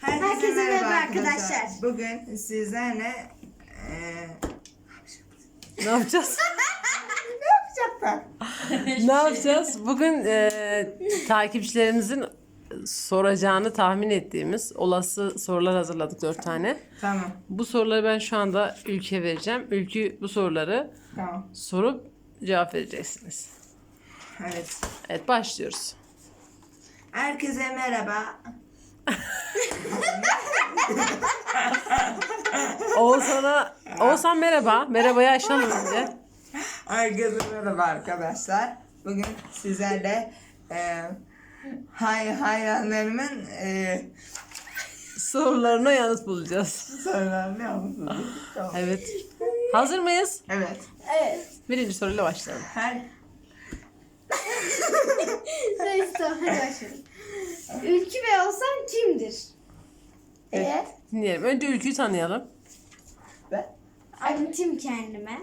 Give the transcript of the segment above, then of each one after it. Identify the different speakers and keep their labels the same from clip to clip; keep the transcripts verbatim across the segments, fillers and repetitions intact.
Speaker 1: Herkese merhaba arkadaşlar.
Speaker 2: Bugün sizlerle eee
Speaker 3: Ne yapacağız?
Speaker 2: yapacaklar.
Speaker 3: Ne yapacağız? Bugün e, takipçilerimizin soracağını tahmin ettiğimiz olası sorular hazırladık dört tane.
Speaker 2: Tamam.
Speaker 3: Bu soruları ben şu anda Ülkü'ye vereceğim. Ülkü bu soruları
Speaker 2: Tamam.
Speaker 3: sorup cevap vereceksiniz.
Speaker 2: Evet.
Speaker 3: Evet, başlıyoruz.
Speaker 2: Herkese merhaba.
Speaker 3: Oğuzhan'a Oğuzhan merhaba. Merhabayı açalım önce.
Speaker 2: Herkese merhaba arkadaşlar. Bugün sizlerle eee hay hayranlarımın eee
Speaker 3: Sorularına yanıt bulacağız.
Speaker 2: sorularını yapmışsınız. Tamam.
Speaker 3: Evet. Hazır mıyız?
Speaker 2: Evet.
Speaker 1: Evet.
Speaker 3: Birinci soruyla başlayalım.
Speaker 2: Her
Speaker 1: Neyse hadi başlayalım. Ülkü Bey olsan kimdir?
Speaker 3: Evet. Dinleyelim. Önce Ülkü'yü tanıyalım.
Speaker 2: ben
Speaker 1: Anlatayım kendime.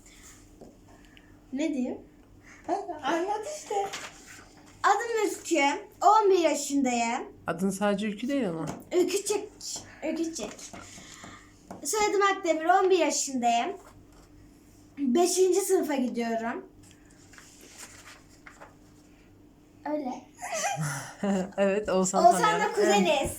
Speaker 1: Ne diyeyim?
Speaker 2: anlat işte.
Speaker 1: Adım Ülkü. on bir yaşındayım.
Speaker 3: Adın sadece Ülkü değil ama.
Speaker 1: Ülküçek. Ülküçek. Soyadım Akdemir. on bir yaşındayım. beşinci sınıfa gidiyorum. Öyle.
Speaker 3: Evet, Oğuzhan
Speaker 1: Oğuzhan'la
Speaker 3: tanıyalım.
Speaker 1: kuzeniz.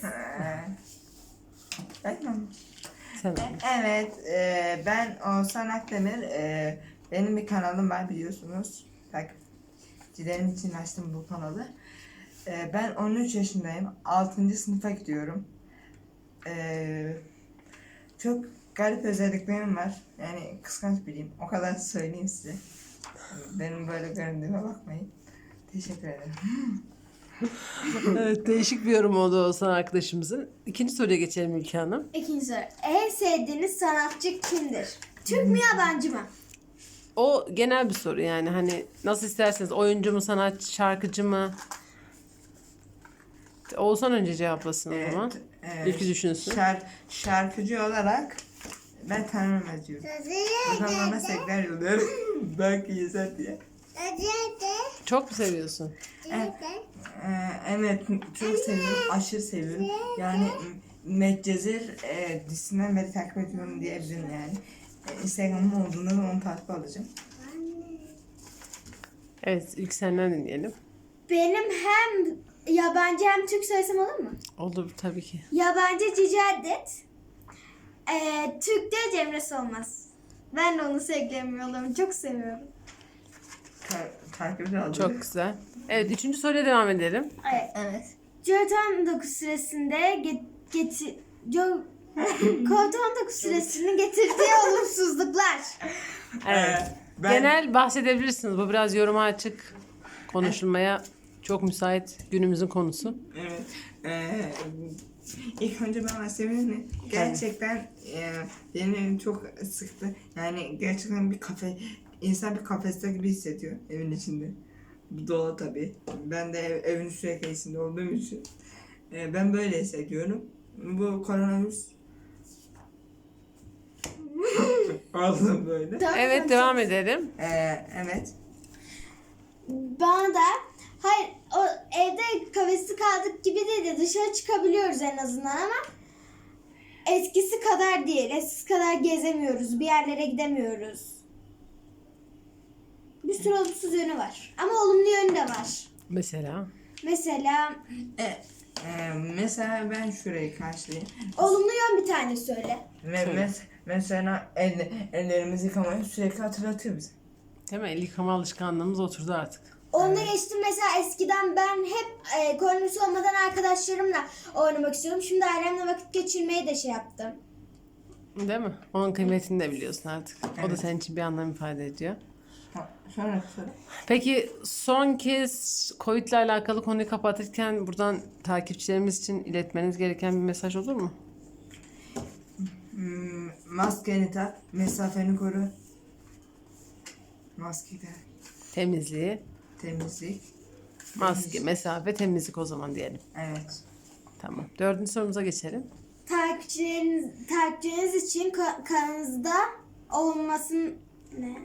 Speaker 2: Tamam.
Speaker 3: Sen.
Speaker 2: Evet, e, ben Oğuzhan Akdemir. E, benim bir kanalım var biliyorsunuz. Takipçilerim için açtım bu kanalı. E, ben on üç yaşındayım. altıncı sınıfa gidiyorum. E, çok garip özelliklerim var. Yani kıskanç biriyim. O kadar söyleyeyim size. Benim böyle göründüğüme bakmayın. Teşekkür ederim.
Speaker 3: Evet, değişik bir yorum oldu Oğuzhan arkadaşımızın. İkinci soruya geçelim Ülke Hanım.
Speaker 1: İkinci soru. En sevdiğiniz sanatçı kimdir? Türk mü yabancı mı?
Speaker 3: O genel bir soru yani hani nasıl isterseniz, oyuncu mu, sanatçı, şarkıcı mı? Oğuzhan önce cevaplasın o zaman.
Speaker 2: Evet,
Speaker 3: Ülkü düşünsün.
Speaker 2: Şar, şarkıcı olarak ben tanımam diyorum. Buradan bana sevgiler yolluyorum. Belki yeter diye.
Speaker 3: Çok mu seviyorsun?
Speaker 2: Evet, e, evet çok seviyorum. Aşırı seviyorum. Yani Medcezir e, dizisinden beri takip ediyorum diyebilirim yani. E, Instagram'ım olduğunda da onu takip alacağım.
Speaker 3: Evet, ilk senden dinleyelim.
Speaker 1: Benim hem yabancı hem Türk söylesem olur mu?
Speaker 3: Olur tabii ki.
Speaker 1: Yabancı Cici Adet. Ee, Türk de Cemre Solmaz. Ben de onu sevmiyorum. Çok seviyorum.
Speaker 2: Ta takip alacağım.
Speaker 3: Çok güzel. Evet, üçüncü soruya devam edelim.
Speaker 1: Evet.
Speaker 2: Evet.
Speaker 1: Covid on dokuz süresinde get, getir... Jo- Covid on dokuz süresinin getirdiği olumsuzluklar.
Speaker 3: Evet.
Speaker 2: Ee, ben-
Speaker 3: Genel bahsedebilirsiniz. Bu biraz yoruma açık, konuşulmaya çok müsait günümüzün konusu.
Speaker 2: Evet. Ee, ilk önce ben bahsedeyim. Gerçekten e, beni çok sıktı. Yani gerçekten bir kafe, insan bir kafeste gibi hissediyor evin içinde. Bu doğal tabii. Ben de ev, evin sürekli içinde olduğum için e, ben böyle hissediyorum. Bu koronavirüs oldu böyle.
Speaker 3: Evet, devam edelim.
Speaker 2: Ee, evet.
Speaker 1: Bana da hayır o evde kafeste kaldık gibi değil de dışarı çıkabiliyoruz en azından ama eskisi kadar değil. Eskisi kadar gezemiyoruz. Bir yerlere gidemiyoruz. Bir sürü olumsuz yönü var. Ama olumlu yönü de var.
Speaker 3: Mesela.
Speaker 1: Mesela
Speaker 2: E, e, mesela ben şurayı karşılayayım.
Speaker 1: olumlu yön bir tane söyle.
Speaker 2: Ve mes- mesela el, ellerimizi yıkamayı sürekli hatırlatıyor bize.
Speaker 3: Değil mi? El yıkama alışkanlığımız oturdu artık.
Speaker 1: Onu da geçtim mesela eskiden ben hep e, koronavirüs olmadan arkadaşlarımla oynamak istiyordum. Şimdi ailemle vakit geçirmeyi de şey yaptım.
Speaker 3: Değil mi? Onun kıymetini de biliyorsun artık. O da
Speaker 2: Evet.
Speaker 3: senin için bir anlam ifade ediyor.
Speaker 2: Ha, sonra sonra.
Speaker 3: Peki son kez Covid ile alakalı konuyu kapatırken buradan takipçilerimiz için iletmeniz gereken bir mesaj olur mu?
Speaker 2: Hmm, maskeni tak, mesafeni koru. Maske tak,
Speaker 3: Temizliği,
Speaker 2: temizlik.
Speaker 3: maske, mesafe, temizlik o zaman diyelim.
Speaker 2: Evet.
Speaker 3: Tamam. Dördüncü sorumuza geçelim.
Speaker 1: Takipçileriniz, takipçileriniz için ka- kanalınızda olmasın ne?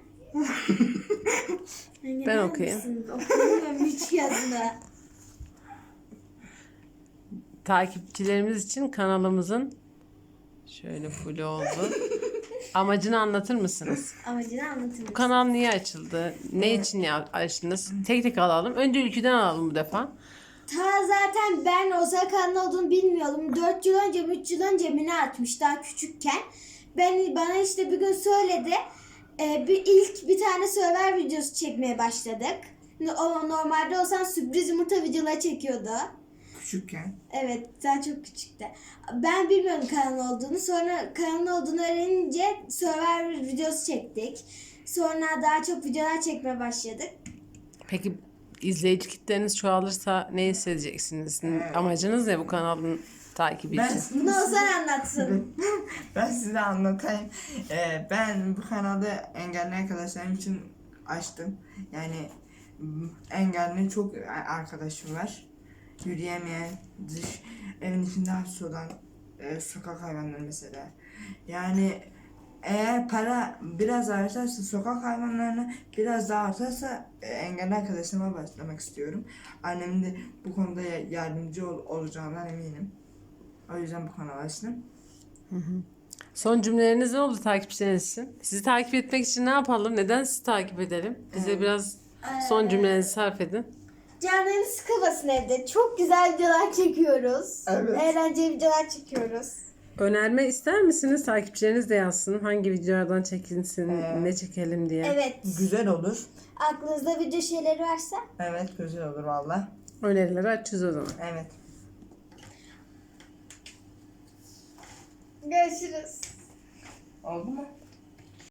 Speaker 3: Ben okuyayım.
Speaker 1: Okuyamıyorum hiç yazını.
Speaker 3: takipçilerimiz için kanalımızın şöyle full oldu. Amacını anlatır mısınız?
Speaker 1: Amacını anlatır
Speaker 3: Bu
Speaker 1: mısın?
Speaker 3: kanal niye açıldı? Ne için ya- açtınız? Tek tek alalım. Önce ülkeden alalım bu defa.
Speaker 1: Ta zaten ben Osaka'nın olduğunu bilmiyordum. dört yıl önce mi üç yıl önce mi ne atmış daha küçükken. Ben bana işte bir gün söyledi. Ee, bir ilk bir tane Survivor videosu çekmeye başladık. O normalde olsan sürpriz yumurta videoları çekiyordu.
Speaker 2: Küçükken.
Speaker 1: Evet, daha çok küçüktü. Ben bilmiyorum kanal olduğunu. Sonra kanal olduğunu öğrenince Survivor videosu çektik. Sonra daha çok videolar çekmeye başladık.
Speaker 3: Peki izleyici kitleniz çoğalırsa ne hissedeceksiniz?
Speaker 2: Evet.
Speaker 3: Amacınız ne bu kanalın takibi
Speaker 2: Ben
Speaker 3: için?
Speaker 1: Bunu Ozan anlatsın.
Speaker 2: ben size anlatayım. Ee, ben bu kanalı engelli arkadaşlarım için açtım. Yani m, engelli çok arkadaşım var. Yürüyemeyen, dış evin içinde hapis olan e, sokak hayvanları mesela. Yani eğer para biraz artarsa, sokak hayvanlarını biraz daha artarsa e, engelli arkadaşlarıma başlamak istiyorum. Annemin de bu konuda ya- yardımcı ol, olacağından eminim. O yüzden bu kanalı açtım.
Speaker 3: Son cümleleriniz ne oldu takipçileriniz için? Sizi takip etmek için ne yapalım? Neden sizi takip edelim? Bize biraz son cümlelerinizi sarf edin.
Speaker 1: Canlarınız sıkılmasın evde. Çok güzel videolar çekiyoruz.
Speaker 2: Evet.
Speaker 1: Eğlenceli videolar çekiyoruz.
Speaker 3: Önerme ister misiniz? Takipçileriniz de yazsın. Hangi videolardan çekilsin,
Speaker 2: Ee,
Speaker 3: ne çekelim diye.
Speaker 1: Evet.
Speaker 2: Güzel olur.
Speaker 1: Aklınızda video şeyleri varsa.
Speaker 2: Evet, güzel olur valla.
Speaker 3: Önerileri açacağız o zaman.
Speaker 2: Evet.
Speaker 1: Görüşürüz.
Speaker 2: Oldu mu?